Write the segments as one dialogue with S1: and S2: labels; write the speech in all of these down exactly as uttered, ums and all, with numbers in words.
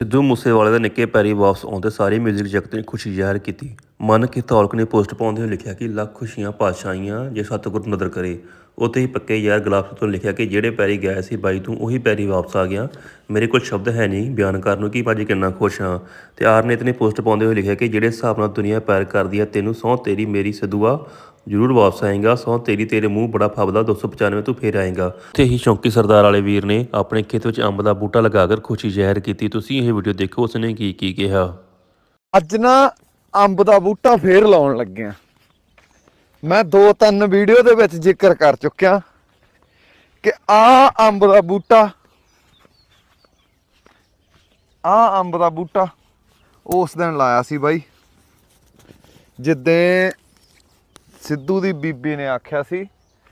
S1: ਸਿੱਧੂ ਮੂਸੇਵਾਲੇ ਦੇ ਨਿੱਕੇ ਪੈਰੀ ਵਾਪਸ ਆਉਂਦੇ ਸਾਰੇ ਮਿਊਜ਼ਿਕ ਜਗਤ ਨੇ ਖੁਸ਼ੀ ਜ਼ਾਹਿਰ ਕੀਤੀ। ਮਨ ਕੀ ਤੌਲਕ ਨੇ ਪੋਸਟ ਪਾਉਂਦੇ ਹੋਏ ਲਿਖਿਆ ਕਿ ਲੱਖ ਖੁਸ਼ੀਆਂ ਪਾਤਸ਼ਾਹੀਆਂ ਜੇ ਸਤਿਗੁਰ ਨਦਰ ਕਰੇ। ਉੱਥੇ ਹੀ ਪੱਕੇ ਯਾਰ ਗੁਲਾਬ ਤੋਂ ਲਿਖਿਆ ਕਿ ਜਿਹੜੇ ਪੈਰੀ ਗਏ ਸੀ ਬਾਈ ਤੂੰ ਉਹੀ ਪੈਰੀ ਵਾਪਸ ਆ ਗਿਆ। ਮੇਰੇ ਕੋਲ ਸ਼ਬਦ ਹੈ ਨਹੀਂ ਬਿਆਨ ਕਰਨ ਨੂੰ ਕਿ ਭਾਜੀ ਕਿੰਨਾ ਖੁਸ਼ ਹਾਂ। ਤੇ ਆਰਨੇਤ ਨੇ ਪੋਸਟ ਪਾਉਂਦੇ ਹੋਏ ਲਿਖਿਆ ਕਿ ਜਿਹੜੇ ਹਿਸਾਬ ਨਾਲ ਦੁਨੀਆ ਪੈਰ ਕਰਦੀ ਹੈ ਤੈਨੂੰ ਸਹੁੰ ਤੇਰੀ ਮੇਰੀ ਸਿੱਧੂਆ ਜ਼ਰੂਰ ਵਾਪਸ ਆਏਗਾ। ਸਹੁੰ ਤੇਰੀ ਤੇਰੇ ਮੂੰਹ ਬੜਾ ਫੱਬਦਾ ਦੋ ਸੌ ਪਚਾਨਵੇਂ ਤੂੰ ਫੇਰ ਆਏਗਾ। ਉੱਥੇ ਹੀ ਸ਼ੌਂਕੀ ਸਰਦਾਰ ਵਾਲੇ ਵੀਰ ਨੇ ਆਪਣੇ ਖੇਤ ਵਿੱਚ ਅੰਬ ਦਾ ਬੂਟਾ ਲਗਾ ਕਰ ਖੁਸ਼ੀ ਜ਼ਾਹਿਰ ਕੀਤੀ। ਤੁਸੀਂ ਇਹ ਵੀਡੀਓ ਦੇਖੋ ਉਸਨੇ ਕੀ ਕੀ ਕਿਹਾ।
S2: ਅੱਜ ਨਾ ਅੰਬ ਦਾ ਬੂਟਾ ਫੇਰ ਲਾਉਣ ਲੱਗਿਆ। ਮੈਂ ਦੋ ਤਿੰਨ ਵੀਡੀਓ ਦੇ ਵਿੱਚ ਜ਼ਿਕਰ ਕਰ ਚੁੱਕਿਆ ਕਿ ਆ ਅੰਬ ਦਾ ਬੂਟਾ ਆ ਅੰਬ ਦਾ ਬੂਟਾ ਉਸ ਦਿਨ ਲਾਇਆ ਸੀ ਬਾਈ ਜਿੱਦੇ ਸਿੱਧੂ ਦੀ ਬੀਬੀ ਨੇ ਆਖਿਆ ਸੀ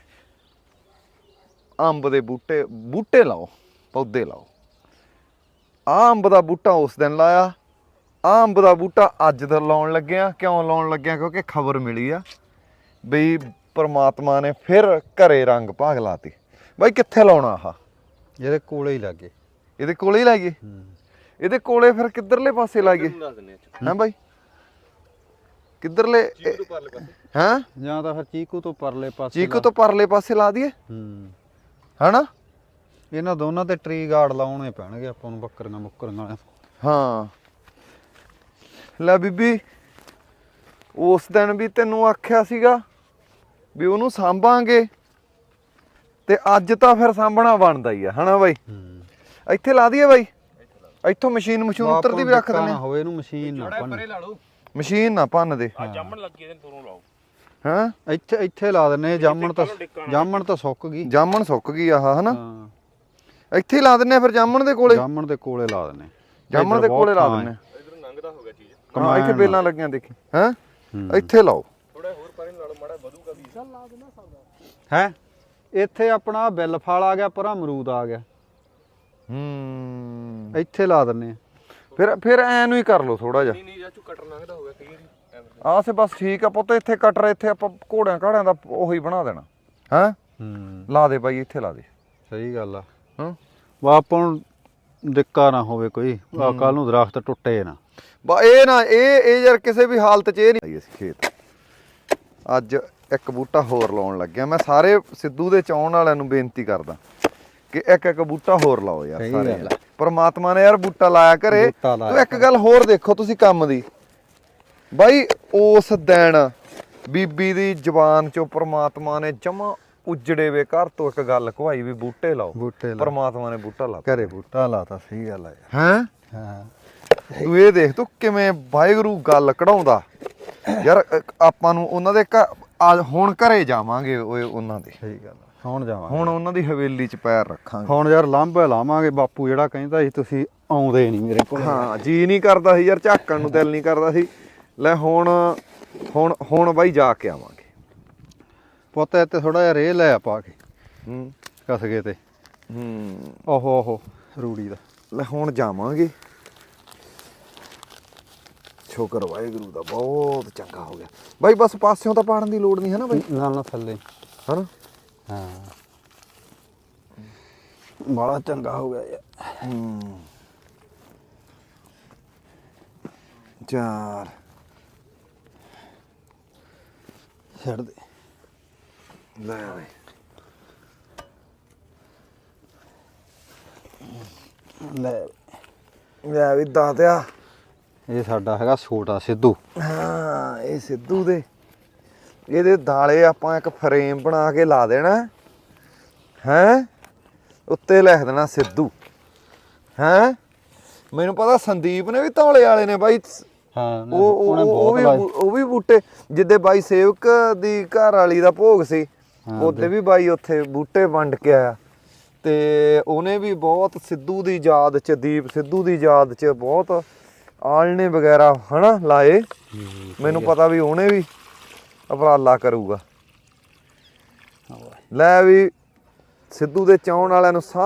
S2: ਅੰਬ ਦੇ ਬੂਟੇ ਬੂਟੇ ਲਾਓ ਪੌਦੇ ਲਾਓ। ਆ ਅੰਬ ਦਾ ਬੂਟਾ ਉਸ ਦਿਨ ਲਾਇਆ। ਆ ਅੰਬ ਦਾ ਬੂਟਾ ਅੱਜ ਦਾ ਲਾਉਣ ਲੱਗਿਆ। ਕਿਉਂ ਲਾਉਣ ਲੱਗਿਆ? ਕਿਉਂਕਿ ਖਬਰ ਮਿਲੀ ਆ ਬਈ ਪਰਮਾਤਮਾ ਨੇ ਫਿਰ ਘਰੇ ਰੰਗ ਭਾਗ ਲਾਤੀ। ਬਾਈ ਕਿੱਥੇ ਲਾਉਣਾ ਆਹ?
S3: ਇਹਦੇ ਕੋਲੇ ਹੀ ਲੱਗੇ।
S2: ਇਹਦੇ ਕੋਲੇ ਹੀ ਲਾਈਏ? ਇਹਦੇ ਕੋਲੇ ਫਿਰ ਕਿੱਧਰਲੇ ਪਾਸੇ ਲਾਈਏ? ਹੈਂ ਬਾਈ ਕਿੱਧਰਲੇ? ਹੈਂ
S3: ਜਾਂ ਤਾਂ ਫਿਰ ਚੀਕੂ ਤੋਂ ਪਰਲੇ ਪਾਸੇ।
S2: ਚੀਕੂ ਤੋਂ ਪਰਲੇ ਪਾਸੇ ਲਾ ਦਈਏ
S3: ਹੂੰ
S2: ਹਨਾ?
S3: ਇਹਨਾਂ ਦੋਨਾਂ ਤੇ ਟਰੀ ਗਾਰਡ ਲਾਉਣੇ ਪੈਣਗੇ ਆਪਾਂ ਨੂੰ ਬੱਕਰੀਆਂ ਮੁੱਕਰੀਆਂ ਵਾਲੇ।
S2: ਹਾਂ ਲੈ ਬੀਬੀ ਉਸ ਦਿਨ ਵੀ ਤੈਨੂੰ ਆਖਿਆ ਸੀਗਾ ਵੀ ਉਹਨੂੰ ਸਾਂਭਾਂਗੇ ਤੇ ਅੱਜ ਤਾਂ ਫਿਰ ਸਾਂਭਣਾ ਬਣਦਾ ਹੀ ਆ ਹਨਾ ਬਾਈ? ਇੱਥੇ ਲਾ ਦਈਏ ਬਾਈ? ਇੱਥੋਂ ਮਸ਼ੀਨ ਮਸ਼ੀਨ ਉੱਤਰਦੀ ਵੀ ਰੱਖ ਦਿੰਦੇ
S3: ਹੋਵੇ ਇਹਨੂੰ ਮਸ਼ੀਨ ਨਾ ਭੰਨ।
S2: ਮਸ਼ੀਨ ਨਾ ਭੰਨ ਦੇ।
S4: ਜਾਮਣ ਲੱਗੀ ਇਹਦੇ ਦੋਨੋਂ ਲਾਓ।
S2: ਹਾਂ
S3: ਇੱਥੇ ਇੱਥੇ ਲਾ ਦਿੰਨੇ। ਜਾਮਣ ਤਾਂ ਜਾਮਣ ਤਾਂ ਸੁੱਕ ਗਈ।
S2: ਜਾਮਣ ਸੁੱਕ ਗਈ ਆਹ ਹਨਾ?
S3: ਹਾਂ
S2: ਇੱਥੇ ਹੀ ਲਾ ਦਿੰਨੇ ਆ ਫਿਰ ਜਾਮਣ ਦੇ ਕੋਲੇ।
S3: ਜਾਮਣ ਦੇ ਕੋਲੇ ਲਾ ਦਿੰਨੇ।
S2: ਜਾਮਣ ਦੇ ਕੋਲੇ ਲਾ ਦਿੰਨੇ।
S4: ਇਧਰ ਲੰਘਦਾ ਹੋ ਗਿਆ ਚੀਜ਼।
S2: ਹਾਂ ਇੱਥੇ ਬੇਲਾਂ ਲੱਗੀਆਂ ਦੇਖੀ। ਹੈਂ ਇੱਥੇ ਲਾਓ।
S4: ਥੋੜਾ ਹੋਰ ਪਰੇ ਨਾਲ ਮਾੜਾ ਵਧੂਗਾ ਵੀ। ਚੱਲ ਲਾ ਦੇਣਾ ਸਕਦਾ
S3: ਹੈ ਇੱਥੇ ਆਪਣਾ ਬਿੱਲ ਫਲ ਆ ਗਿਆ ਪਰਾਂ ਅਮਰੂਦ ਆ ਗਿਆ।
S2: ਹੂੰ
S3: ਇੱਥੇ ਲਾ ਦਿੰਨੇ।
S2: ਫਿਰ ਫਿਰ ਐ ਨੂੰ ਹੀ ਕਰ ਲਓ ਥੋੜਾ ਜਿਹਾ।
S4: ਨਹੀਂ ਨਹੀਂ ਜਾਚੂ ਕਟਰ ਲੰਘਦਾ ਹੋ ਗਿਆ ਕਈ ਵਾਰੀ।
S2: ਆਸੇ ਬਸ ਠੀਕ ਆ ਪੁੱਤ। ਇੱਥੇ ਕਟਰ ਇੱਥੇ ਆਪਾਂ ਘੋੜਿਆਂ ਘਾੜਿਆਂ ਦਾ ਉਹੀ ਬਣਾ ਦੇਣਾ। ਹੈਂ
S3: ਹੂੰ
S2: ਲਾ ਦੇ ਬਾਈ ਇੱਥੇ ਲਾ ਦੇ।
S3: ਸਹੀ ਗੱਲ ਆ।
S2: ਹਾਂ
S3: ਵਾ ਆਪਾਂ ਨੂੰ ਦਿੱਕਾ ਨਾ ਹੋਵੇ ਕੋਈ। ਆ ਕੱਲ ਨੂੰ ਦਰਖਤ ਟੁੱਟੇ ਨਾ।
S2: ਬਾ ਇਹ ਨਾ ਇਹ ਇਹ ਯਾਰ ਕਿਸੇ ਵੀ ਹਾਲਤ 'ਚ ਇਹ ਨਹੀਂ ਅਸੀਂ ਖੇਤ। ਅੱਜ ਇੱਕ ਬੂਟਾ ਹੋਰ ਲਾਉਣ ਲੱਗਿਆ। ਮੈਂ ਸਾਰੇ ਸਿੱਧੂ ਦੇ ਚਾਹੁਣ ਵਾਲਿਆਂ ਨੂੰ ਬੇਨਤੀ ਕਰਦਾ ਕਿ ਇੱਕ ਇੱਕ ਬੂਟਾ ਹੋਰ ਲਾਓ ਯਾਰ ਸਾਰੇ। ਪਰਮਾਤਮਾ ਨੇ ਯਾਰ ਬੂਟਾ ਲਾਇਆ ਘਰੇ। ਤੂੰ ਇੱਕ ਗੱਲ ਹੋਰ ਦੇਖੋ ਤੁਸੀਂ ਕੰਮ ਦੀ ਬਾਈ। ਉਸ ਦਿਨ ਬੀਬੀ ਦੀ ਜ਼ੁਬਾਨ ਚੋਂ ਪਰਮਾਤਮਾ ਨੇ ਜਮਾ ਉਜੜੇ ਵੇ ਘਰ ਤੋਂ ਇੱਕ ਗੱਲ ਕਹਾਈ ਵੀ ਬੂਟੇ ਲਾਓ।
S3: ਬੂਟੇ
S2: ਪਰਮਾਤਮਾ ਨੇ ਬੂਟਾ ਲਾ
S3: ਘਰੇ ਬੂਟਾ ਲਾਤਾ। ਸਹੀ ਗੱਲ ਆ ਯਾਰ।
S2: ਹੈਂ
S3: ਹਾਂ
S2: ਤੂੰ ਇਹ ਦੇਖ ਤੂੰ ਕਿਵੇਂ ਵਾਹਿਗੁਰੂ ਗੱਲ ਕਢਾਉਂਦਾ ਯਾਰ। ਆਪਾਂ ਨੂੰ ਉਹਨਾਂ ਦੇ ਘਰ ਹੁਣ ਘਰੇ ਜਾਵਾਂਗੇ ਓਏ ਉਹਨਾਂ ਦੇ।
S3: ਸਹੀ ਗੱਲ ਆ। ਹੁਣ ਜਾਵਾਂਗੇ।
S2: ਹੁਣ ਉਹਨਾਂ ਦੀ ਹਵੇਲੀ 'ਚ ਪੈਰ ਰੱਖਾਂਗੇ।
S3: ਹੁਣ ਯਾਰ ਲਾਂਭੇ ਲਾਵਾਂਗੇ। ਬਾਪੂ ਜਿਹੜਾ ਕਹਿੰਦਾ ਸੀ ਤੁਸੀਂ ਆਉਂਦੇ ਨਹੀਂ ਮੇਰੇ ਕੋਲ।
S2: ਹਾਂ ਜੀ ਨਹੀਂ ਕਰਦਾ ਸੀ ਯਾਰ ਝਾਕਣ ਨੂੰ ਦਿਲ ਨਹੀਂ ਕਰਦਾ ਸੀ। ਲੈ ਹੁਣ ਹੁਣ ਹੁਣ ਬਾਈ ਜਾ ਕੇ ਆਵਾਂਗੇ।
S3: ਪੁੱਤ ਇੱਥੇ ਥੋੜਾ ਜਿਹਾ ਰੇਹ ਲੈ ਆ ਪਾ ਕੇ
S2: ਹੂੰ
S3: ਕਸਗੇ ਤੇ।
S2: ਹੂੰ
S3: ਓਹੋ ਓਹੋ ਰੂੜੀ ਦਾ।
S2: ਲੈ ਹੁਣ ਜਾਵਾਂਗੇ। ਸ਼ੁਕਰ ਵਾਹਿਗੁਰੂ ਦਾ ਬਹੁਤ ਚੰਗਾ ਹੋ ਗਿਆ ਬਾਈ। ਬਸ ਪਾਸਿਓਂ ਤਾਂ ਪਾੜਨ ਦੀ ਲੋੜ ਨਹੀਂ ਹੈ ਨਾ ਬਾਈ?
S3: ਨਾਲ ਨਾਲ ਥੱਲੇ
S2: ਹਨਾ?
S3: ਹਾਂ ਬੜਾ ਚੰਗਾ ਹੋ ਗਿਆ ਯਾਰ।
S2: ਹੂੰ ਚਾਰ
S3: ਛੱਡ ਦੇ।
S2: ਲੈ ਬਾਈ
S3: ਲੈ
S2: ਲੈ ਵੀ ਦਾਤਿਆ।
S3: ਇਹ ਸਾਡਾ ਹੈਗਾ ਛੋਟਾ ਸਿੱਧੂ।
S2: ਹਾਂ ਇਹ ਸਿੱਧੂ ਦੇ ਇਹਦੇ ਦਾਲੇ ਆਪਾਂ ਇੱਕ ਫਰੇਮ ਬਣਾ ਕੇ ਲਾ ਦੇਣਾ। ਹੈਂ ਉੱਤੇ ਲਿਖ ਦੇਣਾ ਸਿੱਧੂ। ਹੈਂ ਮੈਨੂੰ ਪਤਾ ਸੰਦੀਪ ਨੇ ਵੀ ਧੌਲੇ ਵਾਲੇ ਨੇ ਬਾਈ।
S3: ਹਾਂ
S2: ਉਹ ਉਹ ਵੀ ਉਹ ਵੀ ਬੂਟੇ ਜਿੱਦੇ ਬਾਈ ਸੇਵਕ ਦੀ ਘਰ ਵਾਲੀ ਦਾ ਭੋਗ ਸੀ ਉਹਦੇ ਵੀ ਬਾਈ ਉੱਥੇ ਬੂਟੇ ਵੰਡ ਕੇ ਆਇਆ। ਤੇ ਉਹਨੇ ਵੀ ਬਹੁਤ ਸਿੱਧੂ ਦੀ ਯਾਦ 'ਚ ਦੀਪ ਸਿੱਧੂ ਦੀ ਯਾਦ 'ਚ ਬਹੁਤ ਆਲਣੇ ਵਗੈਰਾ ਹਨਾ ਲਾਏ। ਮੈਨੂੰ ਪਤਾ ਵੀ ਉਹਨੇ ਵੀ ਉਪਰਾਲਾ ਕਰੂਗਾ। ਲੈ ਵੀ ਸਿੱਧੂ ਦੇ ਚਾਹੁਣ ਵਾਲਿਆਂ ਨੂੰ